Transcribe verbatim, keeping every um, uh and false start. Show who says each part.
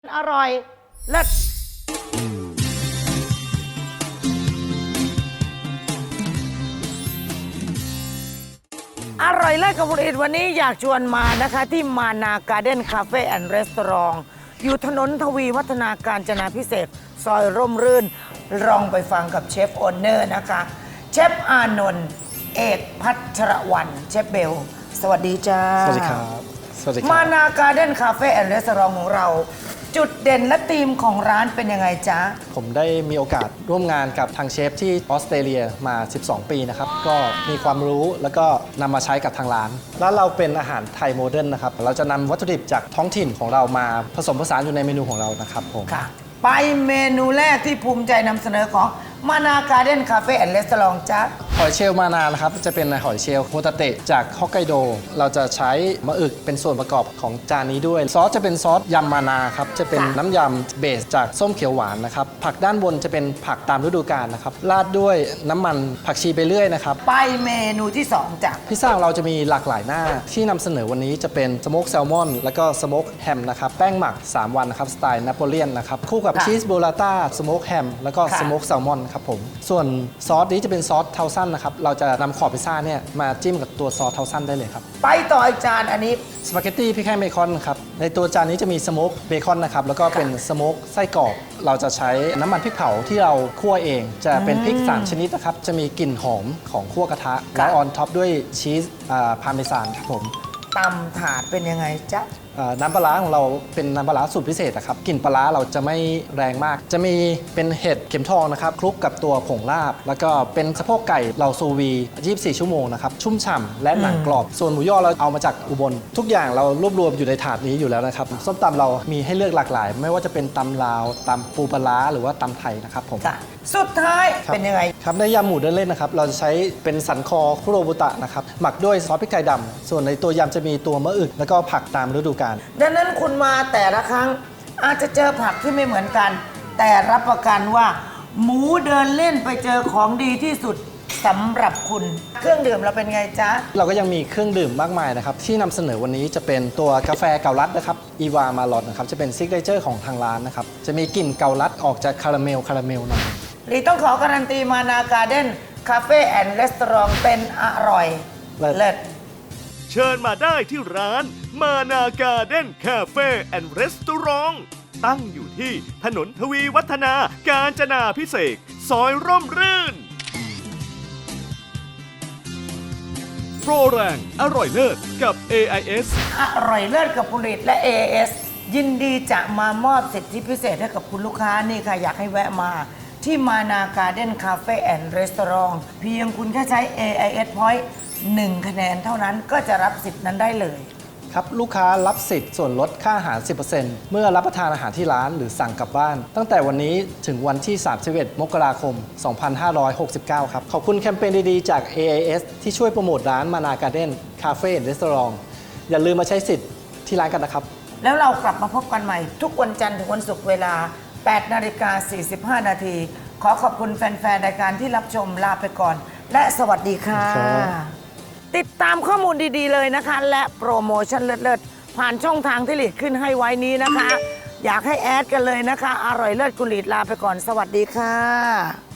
Speaker 1: อร่อยเลิศอร่อยเลิศกับผลิตวันนี้อยากชวนมานะคะที่มานาการ์เด้นคาเฟ่แอนด์รีสอร์ทอยู่ถนนทวีวัฒนาการจนาพิเศษซอยร่มรื่นลองไปฟังกับเชฟโอนเนอร์นะคะเชฟอานนท์เอกพัชรวรรณเชฟเบลสวัสดีจ้า
Speaker 2: สวัสดีครับสวัสดีครับ
Speaker 1: มานาการ์เด้นคาเฟ่แอนด์รีสอร์ทของเราจุดเด่นและธีมของร้านเป็นยังไงจ๊ะ
Speaker 2: ผมได้มีโอกาสร่วมงานกับทางเชฟที่ออสเตรเลียมา สิบสอง ปีนะครับก็มีความรู้แล้วก็นำมาใช้กับทางร้านร้านเราเป็นอาหารไทยโมเดิร์นนะครับเราจะนำวัตถุดิบจากท้องถิ่นของเรามาผสมผสานอยู่ในเมนูของเรานะครับผม
Speaker 1: ค่ะไปเมนูแรกที่ภูมิใจนำเสนอของมานาการ์เด้นคาเฟ่แอนด์รีสอร์ทจ๊ะ
Speaker 2: หอยเชลล์มานานะครับจะเป็นหอยเชลล์โฮตาเตะจากฮอกไกโดเราจะใช้มะอึกเป็นส่วนประกอบของจานนี้ด้วยซอสจะเป็นซอสยำมานาครับจะเป็นน้ำยำเบสจากส้มเขียวหวานนะครับผักด้านบนจะเป็นผักตามฤดูกาลนะครับราดด้วยน้ำมันผักชีไปเรื่อยนะครับ
Speaker 1: ไปเมนูที่สองจ้ะ
Speaker 2: พิซซ่าเราจะมีหลากหลายหน้าที่นำเสนอวันนี้จะเป็นสโมกแซลมอนแล้วก็สโมกแฮมนะครับแป้งหมักสามวันนะครับสไตล์นโปเลียนนะครับคู่กับชีสโบราต้าสโมกแฮมแล้วก็สโมกแซลมอนครับผมส่วนซอสนี้จะเป็นซอสเทาซันนะครับเราจะนำขอบพิซซ่าเนี่ยมาจิ้มกับตัวซอสเทาซันได้เลยครับ
Speaker 1: ไปต่ออีกจานอันนี้
Speaker 2: สปาเกตตี้พริกแห้งเบคอนครับในตัวจานนี้จะมีสโมกเบคอนนะครับแล้วก็เป็นสโมกไส้กรอกเราจะใช้น้ำมันพริกเผาที่เราคั่วเองจะเป็นพริกสามชนิดนะครับจะมีกลิ่นหอมของคั่วกระทะแล้วออนท็อปด้วยชีสพาร์เมซานครับผม
Speaker 1: ตำถาดเป็นยังไงจ๊ะ
Speaker 2: น้ำปลาร้าของเราเป็นน้ำปลาร้าสูตรพิเศษนะครับกลิ่นปลาร้าเราจะไม่แรงมากจะมีเป็นเห็ดเข็มทองนะครับคลุกกับตัวผงลาบแล้วก็เป็นสะโพกไก่เราซูวียี่สิบสี่ชั่วโมงนะครับชุ่มฉ่ำและหนังกรอบส่วนหมูย่อเราเอามาจากอุบลทุกอย่างเรารวบรวมอยู่ในถาดนี้อยู่แล้วนะครับส้มตำเรามีให้เลือกหลากหลายไม่ว่าจะเป็นตำลาวตำปูปลาร้าหรือว่าตำไทยนะครับผม
Speaker 1: สุดท้ายเป็นยังไง
Speaker 2: ครับในยำหมูเดินเล่นนะครับเราจะใช้เป็นสันคอคุโรบุตะนะครับหมักด้วยซอสพริกไทยดำส่วนในตัวยำจะมีตัวมะอึกแล้วก็ผักตามฤดูกาล
Speaker 1: ดังนั้นคุณมาแต่ละครั้งอาจจะเจอผักที่ไม่เหมือนกันแต่รับประกันว่าหมูเดินเล่นไปเจอของดีที่สุดสำหรับคุณเครื่องดื่มเราเป็นไงจ๊ะ
Speaker 2: เราก็ยังมีเครื่องดื่มมากมายนะครับที่นำเสนอวันนี้จะเป็นตัวกาแฟเกาลัดนะครับอีวามาลอดนะครับจะเป็นซิกเนเจอร์ของทางร้านนะครับจะมีกลิ่นเกาลัดออกจากคาราเมลคาราเมลหน่อย
Speaker 1: ลีต้องขอการันตีมานาการ์เด้นคาเฟ่แอนด์รีสอร์ทเป็นอร่อยเลิศ
Speaker 3: เชิญมาได้ที่ร้านมานาการ์เด้นคาเฟ่แอนด์รีสอร์ทตั้งอยู่ที่ถนนทวีวัฒนาการจนาพิเศษซอยร่มรื่นโปรแรงอร่อยเลิศกับ เอ ไอ เอส
Speaker 1: อร่อยเลิศกับผลิตและ เอ ไอ เอส ยินดีจะมามอบสิทธิพิเศษให้กับคุณลูกค้านี่ค่ะอยากให้แวะมาที่มานาการ์เด้นคาเฟ่แอนด์รีสอร์ทเพียงคุณแค่ใช้ เอ ไอ เอส Point หนึ่งคะแนนเท่านั้นก็จะรับสิทธิ์นั้นได้เลย
Speaker 2: ครับลูกค้ารับสิทธิ์ส่วนลดค่าอาหาร สิบเปอร์เซ็นต์ เมื่อรับประทานอาหารที่ร้านหรือสั่งกลับบ้านตั้งแต่วันนี้ถึงวันที่ สามสิบเอ็ด มกราคม สองพันห้าร้อยหกสิบเก้า ครับขอบคุณแคมเปญดีๆจาก เอ ไอ เอส ที่ช่วยโปรโมทร้านมานาการ์เด้นคาเฟ่แอนด์รีสอร์ทอย่าลืมมาใช้สิทธิ์ที่ร้านกันนะครับ
Speaker 1: แล้วเรากลับมาพบกันใหม่ทุกวันจันทร์ถึงวันศุกร์เวลา แปดนาฬิกาสี่สิบห้า นาทีขอขอบคุณแฟนๆรายการที่รับชมลาไปก่อนและสวัสดีค่ะติดตามข้อมูลดีๆเลยนะคะและโปรโมชั่นเลิศๆผ่านช่องทางที่หลีดขึ้นให้ไว้นี้นะคะอยากให้แอดกันเลยนะคะอร่อยเลิศกุหลีดลาไปก่อนสวัสดีค่ะ